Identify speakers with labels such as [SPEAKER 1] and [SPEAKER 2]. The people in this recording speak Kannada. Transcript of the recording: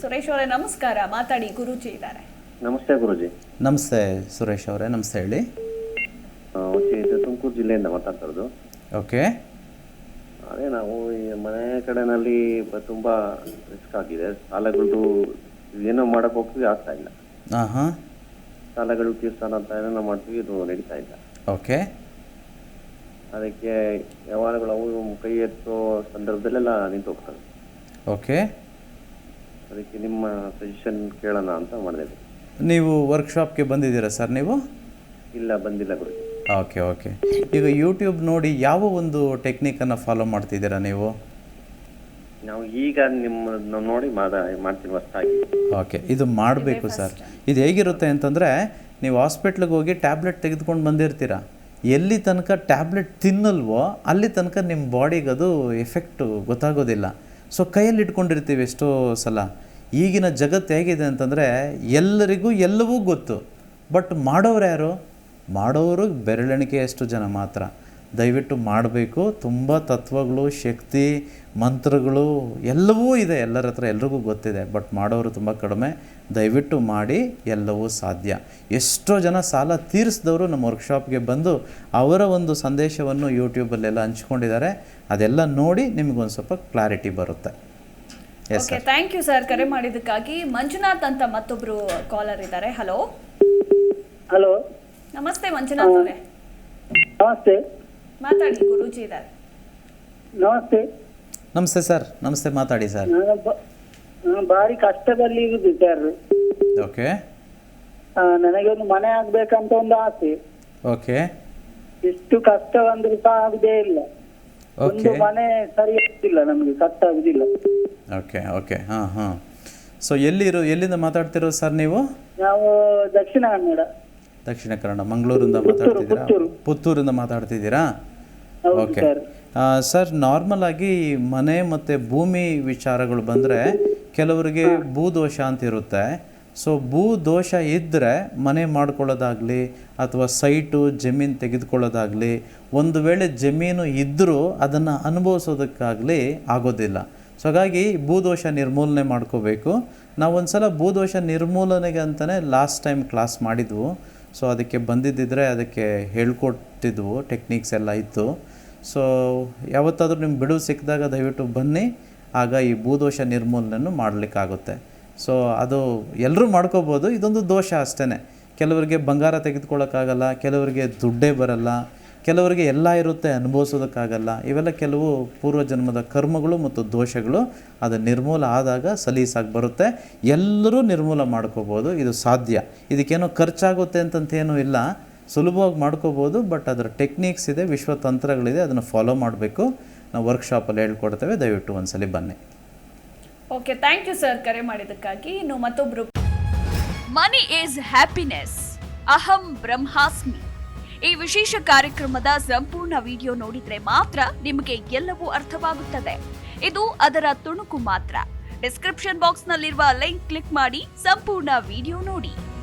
[SPEAKER 1] ಸುರೇಶ್ ಅವರೇ ನಮಸ್ಕಾರ, ಮಾತಾಡಿ, ಗುರೂಜಿ ಇದ್ದಾರೆ.
[SPEAKER 2] ನಮಸ್ತೆ ಗುರುಜಿ.
[SPEAKER 3] ನಮಸ್ತೆ ಸುರೇಶ್ ಅವರೇ, ನಮಸ್ತೆ ಹೇಳಿ.
[SPEAKER 2] ಇದು ತುಮಕೂರು ಜಿಲ್ಲೆಯಿಂದ ಮಾತಾಡ್ತಾ ಇರೋದು.
[SPEAKER 3] ಓಕೆ.
[SPEAKER 2] ಅದೇ ನಾವು ಈ ಮನೆ ಕಡೆನಲ್ಲಿ ತುಂಬಾ ರಿಸ್ಕ್ ಆಗಿದೆ. ಸಾಲಗಳು ಏನೋ ಮಾಡಕ್ ಹೋಗ್ತೀವಿ, ಆಗ್ತಾ ಇಲ್ಲ.
[SPEAKER 3] ಹಾಂ.
[SPEAKER 2] ಸಾಲಗಳು ತೀರ್ಸಾನ ಅಂತ ಏನೋ ಮಾಡ್ತೀವಿ, ಇದು ನಡೀತಾ ಇಲ್ಲ.
[SPEAKER 3] ಓಕೆ.
[SPEAKER 2] ಅದಕ್ಕೆ ವ್ಯವಹಾರಗಳು ಅವು ಕೈ ಎತ್ತೋ ಸಂದರ್ಭದಲ್ಲೆಲ್ಲ ನಿಂತು ಹೋಗ್ತವೆ.
[SPEAKER 3] ಓಕೆ.
[SPEAKER 2] ಅದಕ್ಕೆ ನಿಮ್ಮ ಸಜೆಷನ್ ಕೇಳೋಣ ಅಂತ ಮಾಡಿದೆ.
[SPEAKER 3] ನೀವು ವರ್ಕ್ಶಾಪ್ಗೆ ಬಂದಿದ್ದೀರಾ ಸರ್ ನೀವು?
[SPEAKER 2] ಇಲ್ಲ, ಬಂದಿಲ್ಲ ಗುರುಜಿ.
[SPEAKER 3] Okay okay. ಈಗ ಯೂಟ್ಯೂಬ್ ನೋಡಿ ಯಾವ ಒಂದು ಟೆಕ್ನಿಕನ್ನು ಫಾಲೋ ಮಾಡ್ತಿದ್ದೀರಾ ನೀವು?
[SPEAKER 2] ನಾವು ಈಗ ನಿಮ್ಮ ನೋಡಿ ಮಾಡ್ತೀನಿ ಹೊಸದಾಗಿ.
[SPEAKER 3] ಓಕೆ, ಇದು ಮಾಡಬೇಕು ಸರ್. ಇದು ಹೇಗಿರುತ್ತೆ ಅಂತಂದರೆ, ನೀವು ಹಾಸ್ಪಿಟ್ಲಿಗೆ ಹೋಗಿ ಟ್ಯಾಬ್ಲೆಟ್ ತೆಗೆದುಕೊಂಡು ಬಂದಿರ್ತೀರ. ಎಲ್ಲಿ ತನಕ ಟ್ಯಾಬ್ಲೆಟ್ ತಿನ್ನಲ್ವೋ ಅಲ್ಲಿ ತನಕ ನಿಮ್ಮ ಬಾಡಿಗೆ ಅದು ಎಫೆಕ್ಟು ಗೊತ್ತಾಗೋದಿಲ್ಲ. ಸೊ ಕೈಯಲ್ಲಿ ಇಟ್ಕೊಂಡಿರ್ತೀವಿ ಎಷ್ಟೋ ಸಲ. ಈಗಿನ ಜಗತ್ತು ಹೇಗಿದೆ ಅಂತಂದರೆ, ಎಲ್ಲರಿಗೂ ಎಲ್ಲವೂ ಗೊತ್ತು, ಬಟ್ ಮಾಡೋರು ಯಾರು? ಮಾಡೋರು ಬೆರಳೆಣಿಕೆಯಷ್ಟು ಜನ ಮಾತ್ರ. ದಯವಿಟ್ಟು ಮಾಡಬೇಕು. ತುಂಬ ತತ್ವಗಳು, ಶಕ್ತಿ, ಮಂತ್ರಗಳು ಎಲ್ಲವೂ ಇದೆ ಎಲ್ಲರ ಹತ್ರ, ಎಲ್ರಿಗೂ ಗೊತ್ತಿದೆ, ಬಟ್ ಮಾಡೋರು ತುಂಬ ಕಡಿಮೆ. ದಯವಿಟ್ಟು ಮಾಡಿ, ಎಲ್ಲವೂ ಸಾಧ್ಯ. ಎಷ್ಟೋ ಜನ ಸಾಲ ತೀರಿಸಿದವರು ನಮ್ಮ ವರ್ಕ್ಶಾಪ್ಗೆ ಬಂದು ಅವರ ಒಂದು ಸಂದೇಶವನ್ನು ಯೂಟ್ಯೂಬಲ್ಲೆಲ್ಲ ಹಂಚ್ಕೊಂಡಿದ್ದಾರೆ. ಅದೆಲ್ಲ ನೋಡಿ ನಿಮಗೊಂದು ಸ್ವಲ್ಪ ಕ್ಲಾರಿಟಿ ಬರುತ್ತೆ. Yes sir.
[SPEAKER 1] Thank you sir ಕರೆ ಮಾಡಿದ್ದಕ್ಕಾಗಿ. ಮಂಜುನಾಥ್ ಅಂತ ಮತ್ತೊಬ್ರು ಕಾಲರ್ ಇದ್ದಾರೆ. ಹಲೋ.
[SPEAKER 4] ಹಲೋ,
[SPEAKER 1] ನಮಸ್ತೆ ಮಂಜುನಾಥ್ ಅವರೇ.
[SPEAKER 4] ನಮಸ್ತೆ.
[SPEAKER 1] ಮಾತಾಡಿ, ಗುರೂಜಿ ಇದ್ದಾರೆ.
[SPEAKER 4] ನಮಸ್ತೆ.
[SPEAKER 3] ನಮಸ್ತೆ ಸರ್. ನಮಸ್ತೆ, ಮಾತಾಡಿ ಸರ್.
[SPEAKER 4] ನಾನು ಭಾರಿ ಕಷ್ಟದಲ್ಲಿ ಇರುದು ಸರ್.
[SPEAKER 3] ಓಕೆ.
[SPEAKER 4] ನನಗೆ ಒಂದು ಮನೆ ಆಗ್ಬೇಕಂತ ಒಂದು ಆಸೆ.
[SPEAKER 3] ಓಕೆ.
[SPEAKER 4] ಎಷ್ಟು ಕಷ್ಟ ಬಂದ್ರೂ ಸಹ ಆಗುದೇ ಇಲ್ಲ. ಒಂದು
[SPEAKER 3] ಓಕೆ.
[SPEAKER 4] ಮನೆ ಸರಿ ಆಗ್ತಿಲ್ಲ, ನಮಗೆ ಕಷ್ಟ ಆಗುದಿಲ್ಲ.
[SPEAKER 3] Okay okay. ಹಾಂ ಹಾಂ. ಸೊ ಎಲ್ಲಿಂದ ಮಾತಾಡ್ತಿರೋದು ಸರ್ ನೀವು?
[SPEAKER 4] ನಾವು ದಕ್ಷಿಣ ಕನ್ನಡ.
[SPEAKER 3] ದಕ್ಷಿಣ ಕನ್ನಡ, ಮಂಗಳೂರಿಂದ ಮಾತಾಡ್ತಿದ್ದೀರಾ? ಪುತ್ತೂರಿಂದ ಮಾತಾಡ್ತಿದ್ದೀರಾ?
[SPEAKER 4] ಹೌದು
[SPEAKER 3] ಓಕೆ
[SPEAKER 4] ಸರ್.
[SPEAKER 3] ಸರ್, ನಾರ್ಮಲ್ ಆಗಿ ಮನೆ ಮತ್ತು ಭೂಮಿ ವಿಚಾರಗಳು ಬಂದರೆ ಕೆಲವರಿಗೆ ಭೂದೋಷ ಅಂತ ಇರುತ್ತೆ. ಸೊ ಭೂದೋಷ ಇದ್ದರೆ ಮನೆ ಮಾಡ್ಕೊಳ್ಳೋದಾಗಲಿ ಅಥವಾ ಸೈಟು ಜಮೀನು ತೆಗೆದುಕೊಳ್ಳೋದಾಗಲಿ, ಒಂದು ವೇಳೆ ಜಮೀನು ಇದ್ದರೂ ಅದನ್ನು ಅನುಭವಿಸೋದಕ್ಕಾಗಲಿ ಆಗೋದಿಲ್ಲ. ಸೊ ಹಾಗಾಗಿ ಭೂದೋಷ ನಿರ್ಮೂಲನೆ ಮಾಡ್ಕೋಬೇಕು. ನಾವು ಒಂದು ಸಲ ಭೂದೋಷ ನಿರ್ಮೂಲನೆಗೆ ಅಂತಲೇ ಲಾಸ್ಟ್ ಟೈಮ್ ಕ್ಲಾಸ್ ಮಾಡಿದ್ವು. ಸೊ ಅದಕ್ಕೆ ಬಂದಿದ್ದಿದ್ರೆ ಅದಕ್ಕೆ ಹೇಳ್ಕೊಟ್ಟಿದ್ವು, ಟೆಕ್ನಿಕ್ಸ್ ಎಲ್ಲ ಇತ್ತು. ಸೊ ಯಾವತ್ತಾದರೂ ನಿಮ್ಗೆ ಬಿಡುವು ಸಿಕ್ಕಿದಾಗ ದಯವಿಟ್ಟು ಬನ್ನಿ, ಆಗ ಈ ಭೂದೋಷ ನಿರ್ಮೂಲನೆಯನ್ನು ಮಾಡಲಿಕ್ಕಾಗುತ್ತೆ. ಸೊ ಅದು ಎಲ್ಲರೂ ಮಾಡ್ಕೋಬೋದು. ಇದೊಂದು ದೋಷ ಅಷ್ಟೇ. ಕೆಲವರಿಗೆ ಬಂಗಾರ ತೆಗೆದುಕೊಳ್ಳೋಕ್ಕಾಗಲ್ಲ, ಕೆಲವರಿಗೆ ದುಡ್ಡೇ ಬರಲ್ಲ, ಕೆಲವರಿಗೆ ಎಲ್ಲ ಇರುತ್ತೆ ಅನುಭವಿಸೋದಕ್ಕಾಗಲ್ಲ. ಇವೆಲ್ಲ ಕೆಲವು ಪೂರ್ವಜನ್ಮದ ಕರ್ಮಗಳು ಮತ್ತು ದೋಷಗಳು. ಅದು ನಿರ್ಮೂಲ ಆದಾಗ ಸಲೀಸಾಗಿ ಬರುತ್ತೆ. ಎಲ್ಲರೂ ನಿರ್ಮೂಲ ಮಾಡ್ಕೋಬೋದು, ಇದು ಸಾಧ್ಯ. ಇದಕ್ಕೇನೋ ಖರ್ಚಾಗುತ್ತೆ ಅಂತಂತೇನೂ ಇಲ್ಲ, ಸುಲಭವಾಗಿ ಮಾಡ್ಕೋಬೋದು. ಬಟ್ ಅದರ ಟೆಕ್ನಿಕ್ಸ್ ಇದೆ, ವಿಶ್ವತಂತ್ರಗಳಿದೆ, ಅದನ್ನು ಫಾಲೋ ಮಾಡಬೇಕು. ನಾವು ವರ್ಕ್ಶಾಪಲ್ಲಿ ಹೇಳ್ಕೊಡ್ತೇವೆ, ದಯವಿಟ್ಟು ಒಂದ್ಸಲಿ ಬನ್ನಿ.
[SPEAKER 1] ಓಕೆ, ಥ್ಯಾಂಕ್ ಯು ಸರ್ ಕರೆ ಮಾಡಿದ್ದಕ್ಕಾಗಿ. ಇನ್ನು ಮತ್ತೊಬ್ರು.
[SPEAKER 5] ಮನಿ ಈಸ್ ಹ್ಯಾಪಿನೆಸ್, ಅಹಂ ಬ್ರಹ್ಮಾಸ್ಮಿ. ಈ ವಿಶೇಷ ಕಾರ್ಯಕ್ರಮದ ಸಂಪೂರ್ಣ ವಿಡಿಯೋ ನೋಡಿದ್ರೆ ಮಾತ್ರ ನಿಮಗೆ ಎಲ್ಲವೂ ಅರ್ಥವಾಗುತ್ತದೆ. ಇದು ಅದರ ತುಣುಕು ಮಾತ್ರ. ಡಿಸ್ಕ್ರಿಪ್ಷನ್ ಬಾಕ್ಸ್ ನಲ್ಲಿರುವ ಲಿಂಕ್ ಕ್ಲಿಕ್ ಮಾಡಿ ಸಂಪೂರ್ಣ ವಿಡಿಯೋ ನೋಡಿ.